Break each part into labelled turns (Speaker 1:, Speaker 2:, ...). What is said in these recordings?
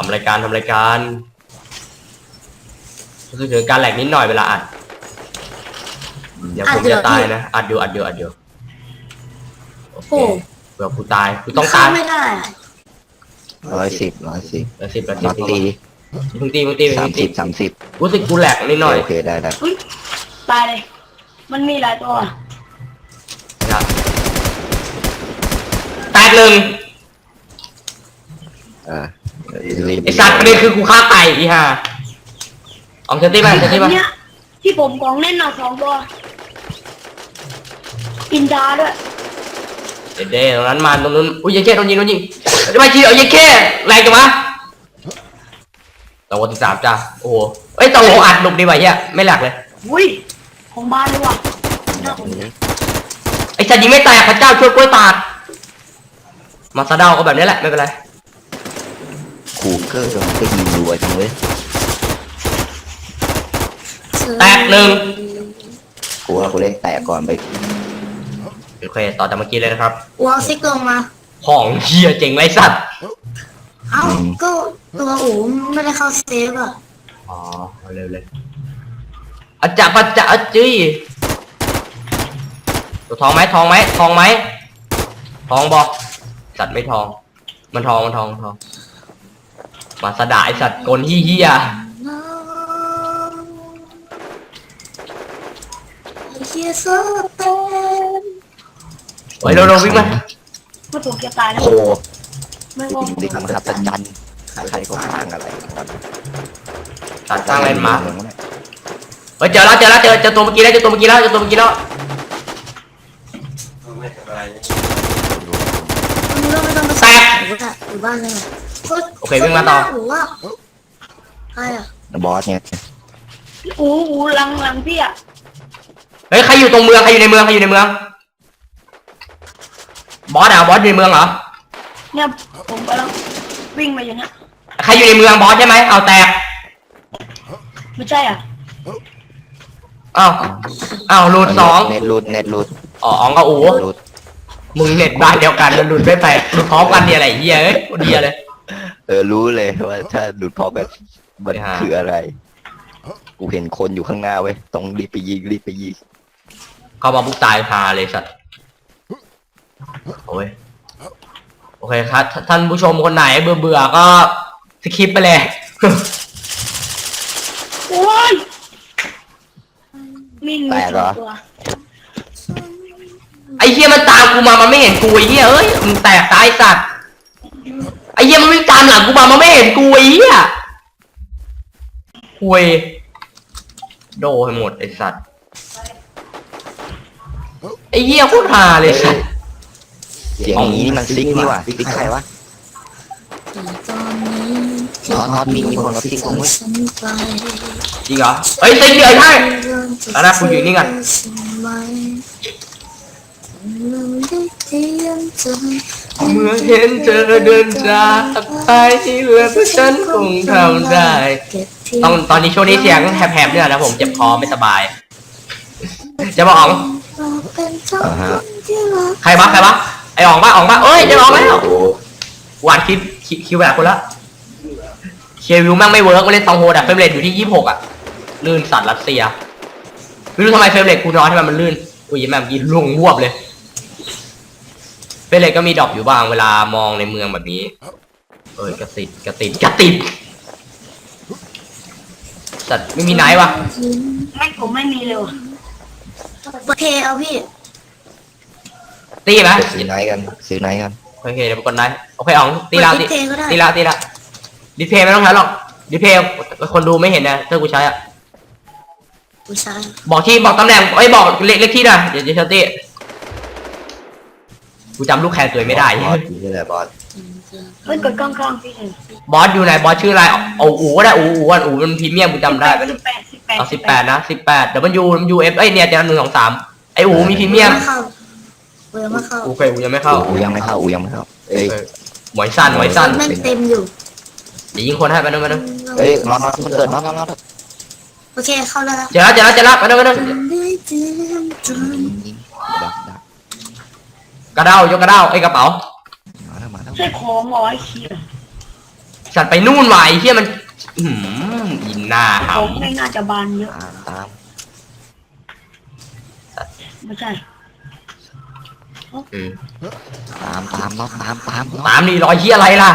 Speaker 1: รายการรู้สึกถึงการแหลกนิดหน่อยเวลาอัดเดี๋ยวผมจะตายนะอัดอยู่โอเคเผื่อกูตายกูต้องตาย
Speaker 2: ไม่ได้
Speaker 3: 110
Speaker 1: น็อตตี มึงตี
Speaker 3: 30
Speaker 1: รู้สึกกูแหลกนิดหน่อย
Speaker 3: โอเคได้
Speaker 2: ตายเลยมันมีหลายตัว
Speaker 1: แตกหนึ่งไอสัตว์ประเด็นคือกูฆ่าไก่อีห่าเอาเซนตี้มา
Speaker 2: เนี่ยที่ผมกองเล่นหนัก2 ตัวอินดาด้วย
Speaker 1: เด้ตรงนั้นมาตรงนู้นอุ้ยยังแค่โดนยิงจะไปทีเอายังแค่แรงจังวะตัวที่3จ้าโอ้โหเอ้ยตัวอัดหนุกดีว่ะเฮียไม่แหลกเลย
Speaker 2: อุ้ยของบ้านเลยว่ะ
Speaker 1: ไอสัตว์ยิงไม่แตกพระเจ้าช่วยกล้วยตากมาซาดาวก็แบบนี้แหละไม่เป็นไร
Speaker 3: คูเกอร์มันก็ยิงรัวจังเลย
Speaker 1: แตกหนึ่ง
Speaker 3: กูว่ากูเล่นแตกก่อนไป
Speaker 1: โอเคต่อจากเมื่อกี้เลยนะครับ
Speaker 2: วอลซิกลงมา
Speaker 1: ของเฮียเจ๋งไรสัตว์
Speaker 2: เอ้าก็ตัวอู๋ไม่ได้เข้าเซฟอ่ะ
Speaker 1: อ๋อเร็วเลยอาจารย์ปัจจะจี้ตัวทองไหมทองบอกสัตว์ไม่ทองมันทองมาสดาไอสัตว์กลเฮียโอ้ยเราวิ่งมา
Speaker 2: ไม่ถูกจะตายแล้ว
Speaker 3: โอ้
Speaker 2: ไม่ว่า
Speaker 3: ดิคำครับจันใครก็สร้างอะไร
Speaker 1: สร้างอะไรมาเฮ้ยเจอตัวเมื่อกี้แล้ว
Speaker 2: ไม่ต้องแตกอยู่บ้านเลย
Speaker 1: โอเควิ่งมาต่อ
Speaker 2: ใครอ่ะ
Speaker 3: บอสเนี่ย
Speaker 2: หลังพี่อ่ะ
Speaker 1: เฮ้ยใครอยู่ตรงเมืองใครอยู่ในเมืองบอสอยู่ในเมืองเหรอ
Speaker 2: เนี่ยผมกำลังวิ่งมาอย่างเงี้ย
Speaker 1: ใครอยู่ในเมืองบอสใช่ไหมเอาแตก
Speaker 2: ไม่ใช่อ่ะ
Speaker 1: อ้าวรูด2
Speaker 3: เน็ตรูด
Speaker 1: อ๋อก็อู๋มึงเน็ตบ้านเดียวกันแล้วรูดไม่ไปรูดพร้อมกันเนี่ยอะไรเหี้ยเดียเลย
Speaker 3: รู้เลยว่าถ้ารูดพร้อมกันมันคืออะไรกูเห็นคนอยู่ข้างหน้าเว้ยต้องรีบไปยิง
Speaker 1: เข้ามาบุกตายพาเลยสัตว์โอเคครับท่านผู้ชมคนไหนเบื่อก็สคิปไปเลย
Speaker 2: โอ้ยมีตัว
Speaker 1: ไอ้เหี้ยมันตามกูมามันไม่เห็นกูไอ้เหี้ยเอ้ยมึงแตกตายสัตว์ไอ้เหี้ยมันวิ่งตามหลังกูมามันไม่เห็นกูไอ้เหี้ยคุยโดให้หมดไอ้สัตว์ไอ้เหี้ยโคตรฮาเลยสัตว์
Speaker 3: เสียงนี้นี่มันซิกนี่ว่ะซิกใครวะน็อตมีคนกับซิกคงไม่
Speaker 1: จริงเหรอเฮ้ยซิกเดือดให้แล้วนะกูอยู่นี่กันเมื่อเห็นเธอเดินจากไปแล้วฉันคงทำได้ตอนนี้ช่วงนี้เสียงแหบๆเนี่ยนะผมเจ็บคอไม่สบายจะมาอ๋องใครวะไออ๋องปะเอ้ยจะอ๋องแล้วหวานคิวแบบคนละเชียร์วิวแม่งไม่เวิร์กมาเล่นตองโฮดอะเฟรมเรทอยู่ที่26อะลื่นสัตว์รัสเซียไม่รู้ทำไมเฟรมเรทกูน้อยทำไมมันลื่นอุ้ยแม่งกินลงวบเลยเฟรมเรทก็มีดรอปอยู่บ้างเวลามองในเมืองแบบนี้กระติดสัตว์ไม่มีไหนวะ
Speaker 2: ผมไม่มีเลยโอเคเอาพี่
Speaker 1: ตีไหม
Speaker 3: ซื้อไหนกัน
Speaker 1: โอเคเดี๋ยวไปกดไนท์โอเคอ๋องตีละดิเพย์ไม่ต้องใช้หรอกดิเพย์คนดูไม่เห็นนะถ้ากูใช้อ่ะบอกตำแหน่งบอกเลขที่หน่อยเดี๋ยวเชอตี้กูจำลูกแคนตัวไม่ได้
Speaker 3: บอสนี่แหละบอส
Speaker 2: ไม่กดกล้องพี่
Speaker 1: บอสอยู่ไหนบอสชื่ออะไรอู๋ก็ได้อู๋มันพรีเมียมกูจำได้18นะ18 WF เนี่ยจะ1 2 3ไออู๋มีพรีเมียมโอเคอู๋ยังไม่เข้าเอ้ยหมวยสั้น
Speaker 2: เต็มอยู่
Speaker 1: เดี๋ยวยิงคนให้ไปนึง
Speaker 3: เฮ้ยน็อตมันเกิดน็อต
Speaker 2: โอเคเข้าแล้ว
Speaker 1: เจอแล้วไปนึงกระเด้ายกกระเด้าไอกระเป๋า
Speaker 2: ใช่ของร้อยคิว
Speaker 1: สัตว์ไปนู่นว่ะไอ้เหี้ยมันยิงหน้าห
Speaker 4: ผมไม่น่าจะบานเยอะ
Speaker 3: ตาม
Speaker 4: ไม่ใช่
Speaker 3: น็อตตาม
Speaker 1: ตามนี่รอยเหี้ยอะไรล่ะ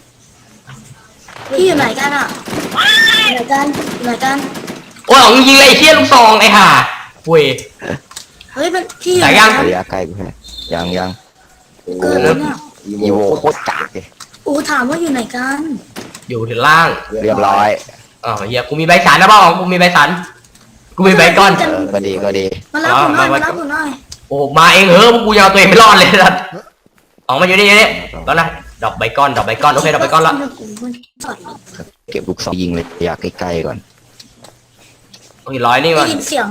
Speaker 2: พี่อยู่ไหนกันอ่ะอยู่ไหนกันอยู่ไหนกัน
Speaker 1: โอ้ยยิงเลยไอ้เหี้ยลูกซองไอ้ห่าเว้ย
Speaker 2: เฮ้ยมันพี่อยู่
Speaker 1: ไหน
Speaker 2: ไหน
Speaker 1: ยัง
Speaker 2: กัน
Speaker 3: ระยะใกล้กูแค่ยัง
Speaker 2: เกิดแล้วเนี่ย
Speaker 3: อีโวโคตรกากเลย
Speaker 2: โอ้ถามว่าอยู่ไหนกัน
Speaker 1: อยู่ถึงล่าง
Speaker 3: เรียบร้อย
Speaker 1: อ๋อเหี้ยกูมีใบสันนะบ้างกูมีใบสันกูมีใบก้อน
Speaker 3: ก็ดี
Speaker 2: มารับผมหน่อยมารับผมหน่อย
Speaker 1: โอ้มาเองเหอะพวกกูยังเอาตัวเองไม่รอดเลยสัตว์ออกมาอยู่นี่ก็นะดอกใบก้อนโอเคดอกใบก้อนละ
Speaker 3: เก็บลูกซองยิงเลยระยะใกล้ๆก่อน
Speaker 1: โอ้ยร้อยนี่
Speaker 2: ได้
Speaker 1: มัน
Speaker 2: ยินเสียง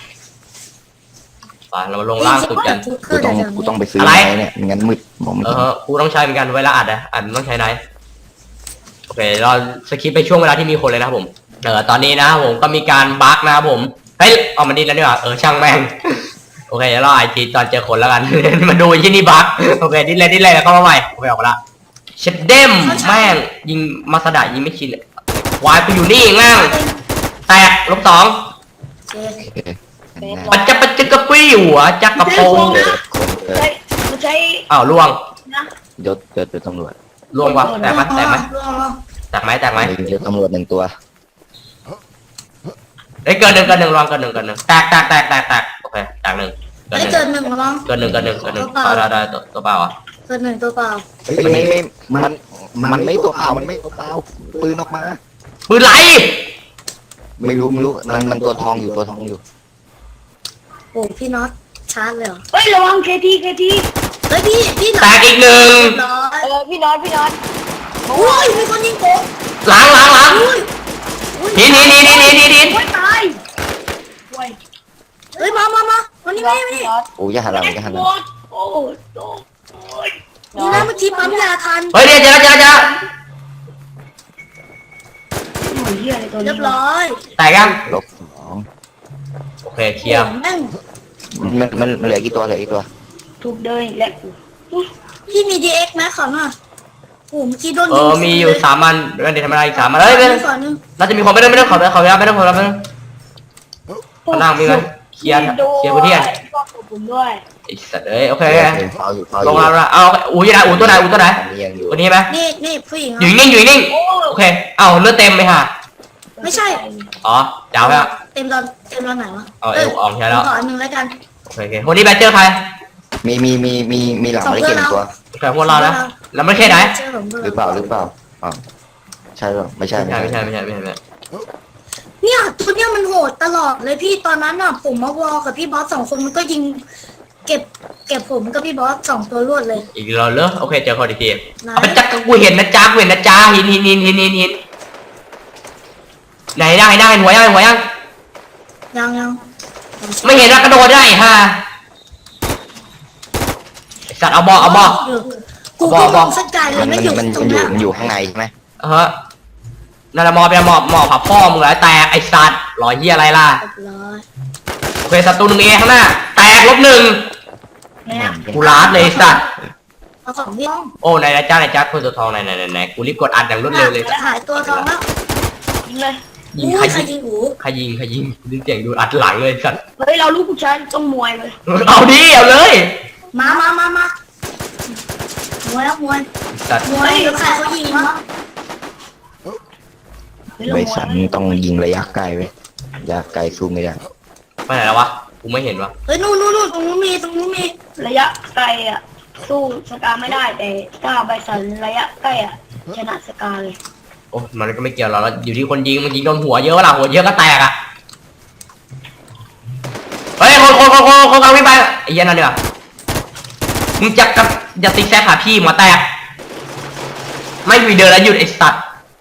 Speaker 1: ไปเรามาลงล่างสุดกัน
Speaker 3: กูต้องไปซื้อ
Speaker 1: อะไร
Speaker 3: ไม้เนี่ยไม่งั้นมืดมองไม่เห็น
Speaker 1: กูต้องใช้เหมือนกันเวลาอัดมันต้องใช้ไหนโอเคเราสคิปไปช่วงเวลาที่มีคนเลยนะครับผมตอนนี้นะครับผมก็มีการบั๊กนะครับผมเฮ้ยเอามันดิ้นแล้วนี่หว่าช่างแม่งโอเคเดี๋ยวเราไอทีตอนเจอคนแล้วกัน มาดูที่นี่บั๊กโอเคดิ้นเลยแล้วก็มาใหม่โอเคออกละเช็ดเด้มแม่งยิงมาสดายิงไม่ชินวายกูอยู่นี่แม่งแตกลบ 2 ปัจจกระปี้หัวจักกระโปง
Speaker 4: ใช้มันใช้
Speaker 1: อ้าวล่วง
Speaker 4: นะ
Speaker 3: ยศเป็นตำรวจ
Speaker 1: ล่วงวะแตกไหมแตกไหม
Speaker 2: ลอง
Speaker 1: แตกไหม
Speaker 3: ยศตำรวจ1 ตัว
Speaker 1: เฮ้ยเกินหนึ่งลองเกินหนึ่งแตกโอเคแตกหนึ่ง
Speaker 2: ได้เกินหนึ่งระวัง
Speaker 1: เกินหนึ่งได้ตัวเปล่าอ่ะ
Speaker 2: เกินหนึ่งตัวเปล่า
Speaker 3: มันไม่ตัวเปล่ามันไม่ตัวเปล่าปืนออกมา
Speaker 1: ปืนไหล
Speaker 3: ไม่รู้มันตัวทองอยู่
Speaker 2: โอ้พี่น็อตชาร์จเลยเหรอ
Speaker 4: เฮ้ยระวังเคที
Speaker 2: เฮ้ยพี่
Speaker 1: แตกอีกหนึ่ง
Speaker 2: ร้อย
Speaker 4: พี่น็อต
Speaker 2: โอ้ยมีคนยิงผม
Speaker 1: หลัง
Speaker 2: อุ้ย
Speaker 1: หิน
Speaker 4: โอ้ยตายโอ้ย
Speaker 2: เฮ้ยมาวันนี้ไม่
Speaker 3: โอ้ยอย่าหันหลัง
Speaker 4: หมดโอ้ย
Speaker 2: นี่นะเมื่อกี้ปั๊มยาทัน
Speaker 1: เฮ้ยเดี๋ยวเจอ
Speaker 4: หน่วยเหี้ยอะไรตัวนี้
Speaker 2: เรียบร้อย
Speaker 1: แตกยัง
Speaker 3: ลบ
Speaker 1: โอเคเคลียร์
Speaker 2: แม่ง
Speaker 3: 2มันเหลือกี่ตัว
Speaker 4: ถูกเดินและ
Speaker 2: พี่มี DX ไหมขอหน่อยโอ้เมื่อกี้โดนยิง
Speaker 1: มีอยู่3 อันเดี๋ยวทำอะไรอีก3 อันเฮ้ย
Speaker 2: ขอหนึ่ง
Speaker 1: น่าจะมีคนไม่ต้องขอไม่ต้องข้างล่างมีไหมเคลียร์พื้นที่
Speaker 4: ก็ผมด้วย
Speaker 1: ไอ้สัตว์โอเค
Speaker 3: เอาอยู่
Speaker 1: ลงแล้วเอาอูอยู่ไหนตัวไหน
Speaker 3: ยังอยู่
Speaker 1: ตัวนี้ไหม
Speaker 2: นี่ผู้หญิง
Speaker 1: อยู่นิ่งโอเคเอาเลือดเต็มไหมฮะ
Speaker 2: ไม่ใช่
Speaker 1: อ๋อจ้าวฮะ
Speaker 2: เต็มตอนไหนวะ
Speaker 1: เอาเอวออกใช่แล้ว
Speaker 2: ขออันหนึ่งแล้วกัน
Speaker 1: โอเควันนี้แบตเจอร์ใคร
Speaker 3: มีหลังไม่ได้เก็บตัว
Speaker 1: โอเคพวกเรานะแล้วไม่ใช่ไหน
Speaker 2: เจอผมด้วย
Speaker 3: หรือเปล่าอ๋อใช่หรอไม่ใช่
Speaker 1: ไม่ใช่
Speaker 2: เนี่ยตัวเนี้ยมันโหดตลอดเลยพี่ตอนนั้นน่ะผมมาวอลกับพี่บอส2 คนมันก็ยิงเก็บผมกับพี่บอส2 ตัวรวดเลย
Speaker 1: อีกเราเลอะโอเคเจอคนอีกที
Speaker 2: ไหน
Speaker 1: เอาไปจักกูเห็นนะจ้าหินไหนได้หัวยัง
Speaker 2: ยัง
Speaker 1: ไม่เห็นว่ากระโดดได้ฮะสัตว์เอาบอ
Speaker 2: กูก็มองสักไกลเลยไม่อยู่ตรงนั้น
Speaker 3: มันอยู่ข้างในใช่ไหม
Speaker 1: ฮะนั่นแหละหมอบผับพ่อมึงเหรอแตกไอ้สัตว์รอยเหี้ยอะไรล่ะ
Speaker 2: เรียบร้อย
Speaker 1: โอเคศัตรู1 เอข้างหน้าแตกลบ 1
Speaker 4: เนี่ย
Speaker 1: กูลาดเลยไอ้สัตว์
Speaker 2: เอาของพี่
Speaker 1: โอ้ไหนจ้าคนตัวทองไหนกูรีบกดอัดอย่างรวดเร็วเลย
Speaker 2: หายตัวทองแล้ว
Speaker 4: ยิงเลย
Speaker 1: ยิง
Speaker 2: อุ้
Speaker 1: ใคร
Speaker 2: ยใคร
Speaker 1: ยิง
Speaker 2: ยิงหู
Speaker 1: ใครยิงกูได้เสียงดูอัดหลังเลยสัตว์
Speaker 4: เฮ้ยเราลูกผู้ชายต้องมวยเลย
Speaker 1: เอาดิเอาเลย
Speaker 2: มามวย
Speaker 1: สัตว์
Speaker 2: มวยแล้วใครเขายิงวะ
Speaker 3: ใบสันต้องยิงระยะไกลไว้ระยะไกลสู้ไม่ได้
Speaker 1: ไปไหนแล้ววะกูไม่เห็นวะ
Speaker 2: เฮ้ยนู่นตรงนู้นมี
Speaker 4: ระยะไกลอ่ะสู้สกาไม่ได้แต่ถ้าใบสันระยะใกล้อ่ะชนะสกาเลย
Speaker 1: โอ้มันก็ไม่เกี่ยวเราแล้วอยู่ที่คนยิงมันยิงโดนหัวเยอะล่ะหัวเยอะก็แตกอ่ะเฮ้ยคนกลางวิ่งไปไอ้เหี้ยนั่นเนีกว่ยมึงจะติ๊กแซกหาพี่หมอแตกไม่มีเดินแล้วหยุดไอ้สัตว์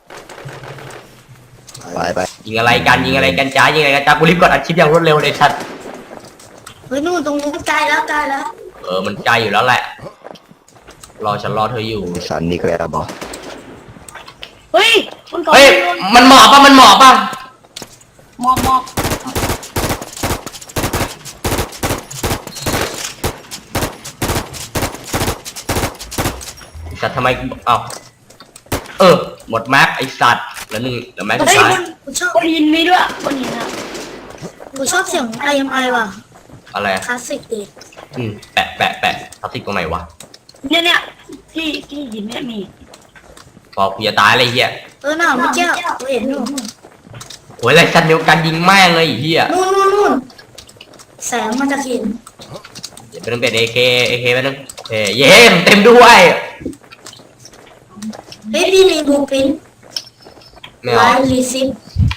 Speaker 3: ไป
Speaker 1: ยิงอะไรกันจ้ากูรีบกดอัดคลิปอย่างรวดเร็วเลยสัตว์
Speaker 2: เฮ้ยนู่นตรงนู้นใกล้แล้ว
Speaker 1: มันใจอยู่แล้วแหละฉันรอเธออยู่
Speaker 3: ใบสันนี่ก็แล้วบอก
Speaker 4: เฮ้ยมันก่อน
Speaker 1: เฮ้ยมันหมอบป่ะ
Speaker 4: มอบ
Speaker 1: สัตว์ทำไมเอ้าหมดแม็กไอสัตว์แล้วหนึ่งแล้วแม็กสุด
Speaker 4: เฮ้ย
Speaker 1: ท้าย
Speaker 2: กูชอบ
Speaker 4: คนหินมีด้วยคนหินอะ
Speaker 2: กูชอบเสียง IMI ว่ะ
Speaker 1: อะไร
Speaker 2: คลาสสิกดี
Speaker 1: แปะทับทิกตรงไหนวะ
Speaker 4: เนี่ยที่หินเนี่ยมี
Speaker 1: พอกูจะตายอะไรเหี้ย
Speaker 2: น่ะเมื่อกี้กูเห็นอยู่
Speaker 1: โอ้ยอะไรสันเดียวกันยิงแม่งเลยไอ้เหี้ย
Speaker 2: นู่นแสงมันจะเห็น
Speaker 1: เดี๋ยวเป็นAK ไปนึงโอเคเย้เต็มด้วย
Speaker 2: เฮ้ยพี่มีบูปิน
Speaker 1: ไม่
Speaker 2: ไล
Speaker 1: เอา
Speaker 2: ฟ์รีซิป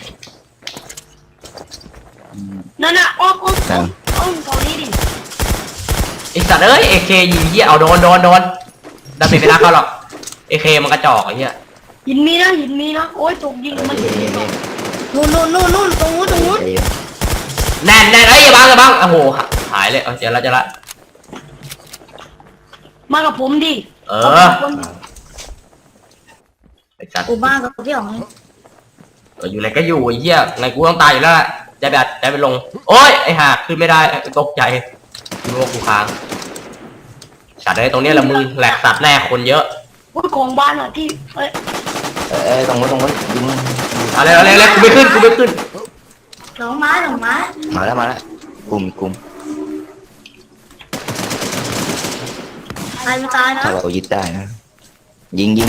Speaker 4: นั่นน่ะอ้อมเขานี้ดิ
Speaker 1: ไอสัตว์เอ้ย AK ยิงเหี้ยเอาโดนดาเมจไม่น่าเข้าหรอก AK มันกระจอกไอ้เหี้ย
Speaker 4: หินมีนะโอ้ยถูกยิงมันยิง
Speaker 2: นู่นตรงนู้น
Speaker 1: แน่นเอ้ยอย่าบังโอ้โหหายเลยเอาเจอละ
Speaker 4: มากับผมดิ
Speaker 1: เออไอสัตว์
Speaker 2: กูบ้ากับพี่อ๋อง
Speaker 1: อยู่ไหนก็อยู่ไอ้เหี้ยไงกูต้องตายอยู่แล้วได้ไปลงโอ้ยไอ้ห่าขึ้นไม่ได้ตกใจคิดว่ากูค้างสัตว์ไอ้ตรงเนี้ยละมึงแหลกสัตว์แน่คนเยอะ
Speaker 4: โอ้ยของบ้านอ่ะที่เอ้ย
Speaker 3: ตรงนู้นยิง
Speaker 1: อะไรกูไม่ขึ้น
Speaker 2: หลงไม้
Speaker 3: มาแล้วกลุ่ม
Speaker 2: ตายไม่ตายนะ
Speaker 3: ถ้าเรายึดได้นะยิง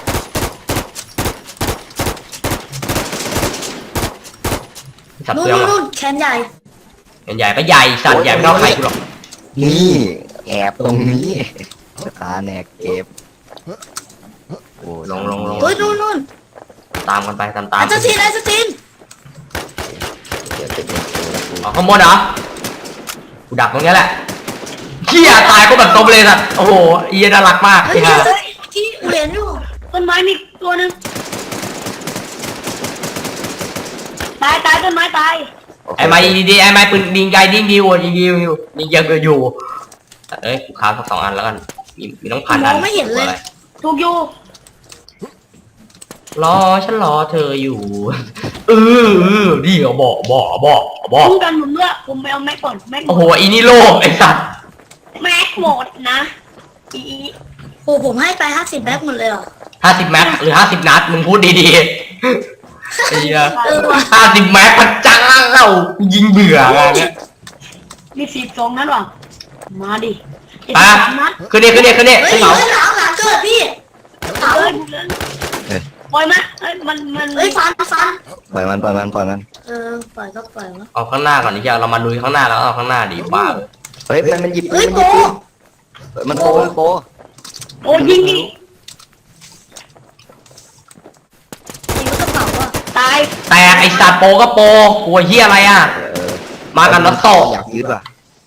Speaker 1: สัตว์เปลือง
Speaker 2: นู่นแขนใหญ่
Speaker 1: ใหญ่ก็ใหญ่สัตว์ใหญ่ไม่เท่าใครกูหรอก
Speaker 3: นี่แอบตรงนี้ตาแนกเก็บโอ้
Speaker 1: ลง
Speaker 2: เฮ้ยนู่น
Speaker 1: ตามกันไปตาม
Speaker 2: ไอ้สตีน
Speaker 3: เดี๋ยวเป็นกู
Speaker 1: อ๋อข้างบนเหรอกูดักตรงเนี้ยแหละเหี้ยตายก็แบบตบเลยสัตว์โอ้โหเอียน่ารักมาก
Speaker 2: เฮ้ย
Speaker 1: ไอ้ห่า
Speaker 2: ที่กูเห็นอยู่
Speaker 4: ต้นไม้มีตัวหนึ่งตายต้นไม้ตาย
Speaker 1: ไอ้ไม้ดีไอ้ไม้ปืนยิงไกลยิงเยอะอยู่เอ้ยกูค้างสัก2 อันแล้วกันมีต้องพัน
Speaker 2: ม
Speaker 1: อั
Speaker 2: อน งไม่เห็นเลย
Speaker 4: ถูกอยู่
Speaker 1: ฉันรอเธออยู่ดีเอาบอก
Speaker 4: คุ้มกันผมด้วยผมไปเอาแม็กก่อนแม็ก
Speaker 1: โอ้โหอีนี่โลภไอ้สัตว์
Speaker 4: แม็กหมดนะอี
Speaker 2: โอ้ผมให้ไป50แบ็คหมดเลยเหรอ
Speaker 1: 50 แม็กหรือ50 นัดมึงพูดดีๆไอ้เหี้ย
Speaker 2: ว่ะ
Speaker 1: 50 แม็กพระเจ้ายิงเบื่ออะไรเงี้ย
Speaker 4: มี42นั้นหรอมาดิ
Speaker 1: ไปขึ้นดิ
Speaker 2: เฮ้ย
Speaker 1: ขึ้นเหมา
Speaker 2: หลังเกิดพี่
Speaker 4: เอ้ยปล่อยมาเอ้ยมัน
Speaker 2: เฮ้ยฟัน
Speaker 3: ปล่อยมัน
Speaker 2: ปล่อยก็ปล่อยวะ
Speaker 1: เอาข้างหน้าก่อนนี่เรามาลุยข้างหน้าแล้วเอาข้างหน้าดีบ้า
Speaker 3: เฮ้ยมันหยิบ
Speaker 2: เฮ้ยโป
Speaker 3: มันโป
Speaker 4: โอ้ยิงดิ
Speaker 2: ยิงกระเป๋าอ่ะ
Speaker 4: ตาย
Speaker 1: แตกไอ้สัตว์โปก็โปกลัวเหี้ยอะไรอ่ะมากันรถโต
Speaker 3: อยากยึดว่ะ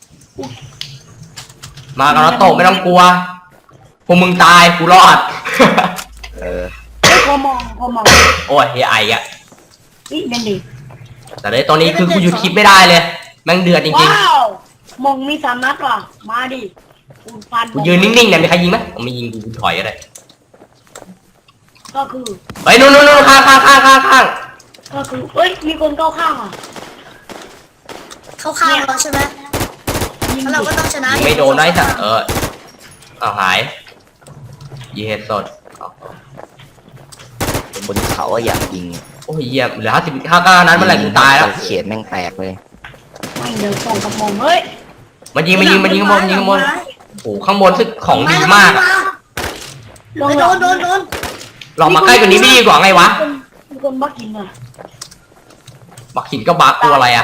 Speaker 1: มากันรถโตไม่ต้องกลัวพวกมึงตายกูรอด
Speaker 4: พอมอง
Speaker 1: โอ้ยเฮียไออ่ะ
Speaker 4: นี่นั่นดิ
Speaker 1: แต่ในตอนนี้คือกูหยุดคลิปไม่ได้เลยแม่งเดือดจริง
Speaker 4: ว้าวมองมี3 นัดว่ะมาดิฟัน
Speaker 1: ๆกูยืนนิ่งๆเนี่ยมีใครยิงไหมผมไม่ยิงกูถอยก็ได้
Speaker 4: ก็คือ
Speaker 1: เฮ้ยนู่นข้าง
Speaker 4: ก็คือเอ้ยมีคนเข้าข้างอ่ะ
Speaker 2: เข้าข้างเราใช่ไหมแล้วเราก็ต้องชนะ
Speaker 1: ไม่โดนได้สัตว์เอาหายยีเฮดสด
Speaker 3: บนเขาอยากยิง
Speaker 1: โอ้ยเหี้ยเหลือ59นั้นเมื่อไหร่กูตายแล้ว
Speaker 3: เขียนแม่งแตกเลย
Speaker 4: ไม่เดี๋ยวส่งกับมองเฮ้ย
Speaker 1: มันยิงข้างบนโอ้โหข้างบนซึ่งของดีมากอะ
Speaker 4: ลง
Speaker 2: โดน
Speaker 1: ลองมาใกล้กว่านี้ไม่ดีกว่าไงวะ
Speaker 4: มีคนบักกินอ่ะ
Speaker 1: บักหินก็บักตัวอะไรอ่ะ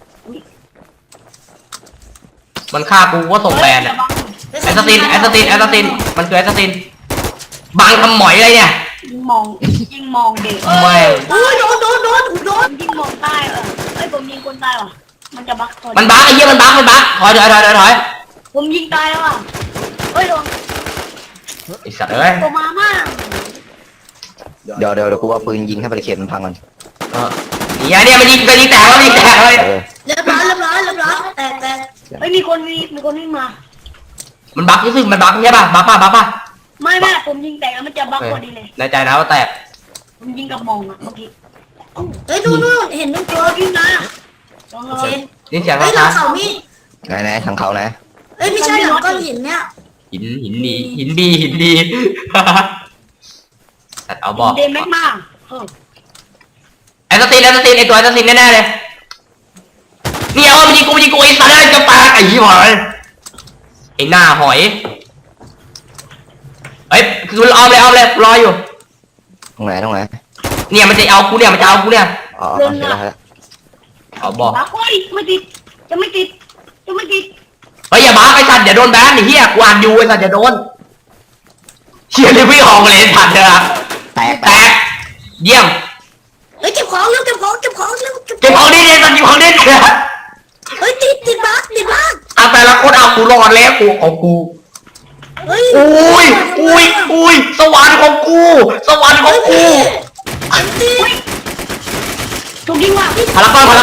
Speaker 1: มันฆ่ากูก็ส่งแบนอ่ะแอสตินมันคือแอสตินบังทำหมอยอะไรเนี่ย
Speaker 4: ยิงมองเด็ก
Speaker 1: ไม่
Speaker 2: อุ้ยโดน
Speaker 4: ยิงมองใต้เอ้ยผมยิงคนตายว่ะมันจะบัก
Speaker 1: มันบักไอ้เหี้ยมันบักถอย
Speaker 4: ผมยิงตายแล้วอ่ะเฮ้ยโดน
Speaker 1: ไอ้สัตว์เอ้ย
Speaker 4: ตัวมามาก
Speaker 3: เดี๋ยวกูเอาปืนยิงให้บริเขตมันพังก่อน
Speaker 1: เนี่ยมันยิงแตกแล้วยิงแตกเลย
Speaker 2: เรียบร้อยแต่
Speaker 4: เฮ้ยมีคนวิ่งมา
Speaker 1: มันบักรู้สึกมันบักใช่ป่ะบักป่ะ
Speaker 4: ไม่ผมยิงแตกแล้วมันจะบักพอดีเลย
Speaker 1: ในใจนะว่าแตก
Speaker 4: ผมยิงกับมองอ่ะเมื่อกี้
Speaker 2: เฮ้ยนู่นเห็นนู่นตัว
Speaker 4: วิ่งนะลอง
Speaker 1: นี่เสียง
Speaker 2: เฮ้ยหลั
Speaker 1: นะ
Speaker 2: งเขามี
Speaker 3: ไหนทางเขานะ
Speaker 2: เฮ้ยไม่ใช่หลังก้อนหินเนี่ย
Speaker 1: หินดีสัตว์เอาบอก
Speaker 4: เดนแม็กมา
Speaker 1: ไอ้สตีนไอ้ตัวสตีนแน่ๆเลยเนี่ยเอายิงกูไอ้สัตว์ได้จะปากไอ้ยี่ห้อไอ้หน้าหอยเฮ้ยคือเอาเลยรออยู่
Speaker 3: ตรงไหน
Speaker 1: เนี่ยมันจะเอากูเนี่ย
Speaker 3: อ๋อเห็นแล้ว
Speaker 1: เอาบอก
Speaker 4: บ้าเฮ้ยไม่ติดจะไม่ติด
Speaker 1: เฮ้ยอย่าบ้าไอ้สัตว์อย่าโดนแบนไอ้เหี้ยกูอ่านอยู่ไอ้สัตว์อย่าโดนเชี่ยเลยพี่ออกเลยสัตว์เถอะ
Speaker 3: แตก
Speaker 1: เยี่ยม
Speaker 2: เฮ้ยเก็บของเร็วเก็บของเร็ว
Speaker 1: เก็บของดิสัตว์เก็บของดิ
Speaker 2: เฮ้ยติดบัส
Speaker 1: เอาแต่ละคนเอากูรอดแล้วกูของกู
Speaker 2: เฮ้ย
Speaker 1: อุ้ยสวรรค์ของกู
Speaker 2: ติด
Speaker 4: ถูกยิงว่ะ
Speaker 1: พารากอน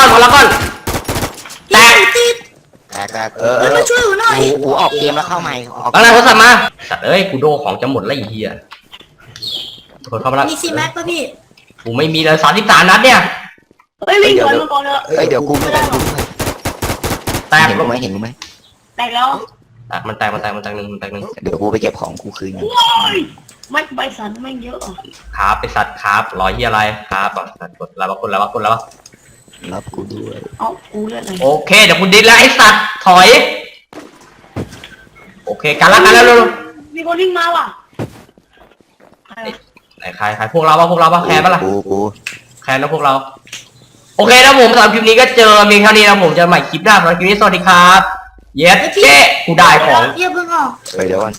Speaker 1: แตก
Speaker 2: ติด
Speaker 3: แตก
Speaker 2: มาช่วยหน่อย
Speaker 3: กูออกเกมแล้วเข้าใหม่ออก
Speaker 1: อะไรโทรศัพท์มาสัตว์เอ้ยกูโดของจะหมดแล้วไอ้เหี้ยกดเข้ามาแล้ว
Speaker 2: มีซีแม็กป่ะพี่
Speaker 1: กูไม่มีเลย33นัดเนี่ย
Speaker 4: เฮ้ยวิ่งก่อนมาก่อนเถอะ
Speaker 3: เฮ้ยเดี๋ยวกูไม่ได้
Speaker 1: แตก
Speaker 3: เห็นกูไหม
Speaker 4: แตกแล้ว
Speaker 1: มันแตกหนึ่ง
Speaker 3: เดี๋ยวกูไปเก็บของกูคืน
Speaker 4: โอ้ยไม่ใบสันไม่เยอะอ่ะ
Speaker 1: ครับไปสัตว์ครับรอยเหี้ยอะไรครับสัตว์กดแล้วกดแล้ว
Speaker 3: รับกูด้วย
Speaker 4: เอากูเลือดเลย
Speaker 1: โอเคเดี๋ยวคุณดิสแล้วไอ้สัตว์ถอยโอเคกันแล้วเร็ว
Speaker 4: มีคนวิ่งมาว่ะ
Speaker 1: ไหนใครพวกเราป่ะแคร์ป่ะล่ะ
Speaker 3: กู
Speaker 1: แคร์นะพวกเราโอเคนะผมสำหรับคลิปนี้ก็เจอเพียงเท่านี้นะผมจะใหม่คลิปหน้าสำหรับคลิปนี้สวัสดีครับเย็ดเจ๊กูได้ของ
Speaker 2: เยี่ยมเพิ่งออก
Speaker 3: เดี๋ยวก่อน